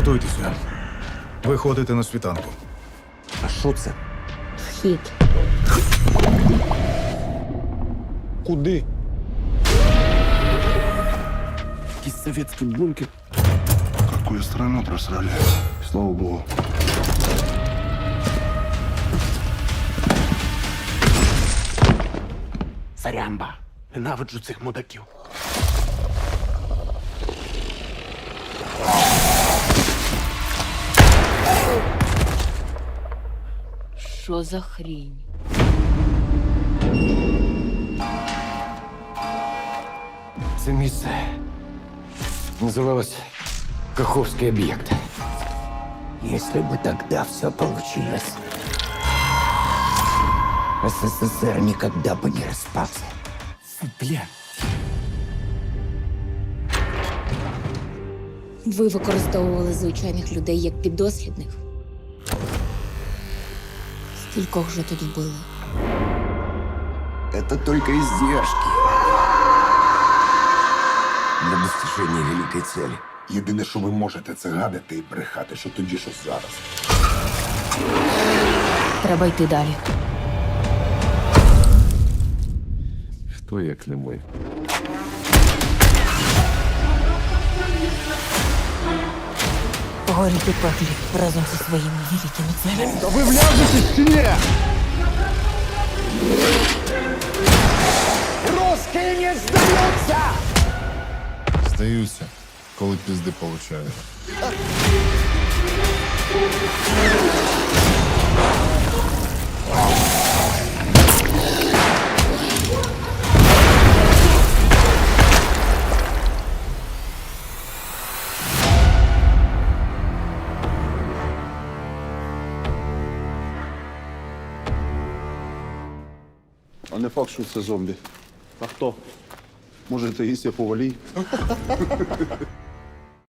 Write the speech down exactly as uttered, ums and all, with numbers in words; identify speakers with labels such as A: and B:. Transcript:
A: Готуйтеся. Виходите на світанку.
B: А що це?
C: Вхід.
B: Куди? Якийсь совєтський бункер.
D: Какую страну просрали? Слава богу.
B: Сарямба. Ненавиджу цих мудаків.
C: Що за хрінь?
E: Це місце называлось Каховский объект. Если бы тогда все получилось, СССР никогда бы не распался.
B: Фу, бля.
C: Ви використовували звичайних людей як піддослідних. Скількох же тут вбили?
E: Это только издержки для достижения великой цели.
D: Єдине, що ви можете, це гадати і брехати, що тоді, що зараз.
C: Треба йти далі.
B: Хто як не ми?
C: Горіть у пеклі разом зі своїми великими целями.
B: Та ви вляжетесь чи ні?
E: Русские не сдаются!
D: Здаюся, коли пізди получаю. А не факт, що це зомбі.
B: А хто?
D: Може, це Ісія Повалій?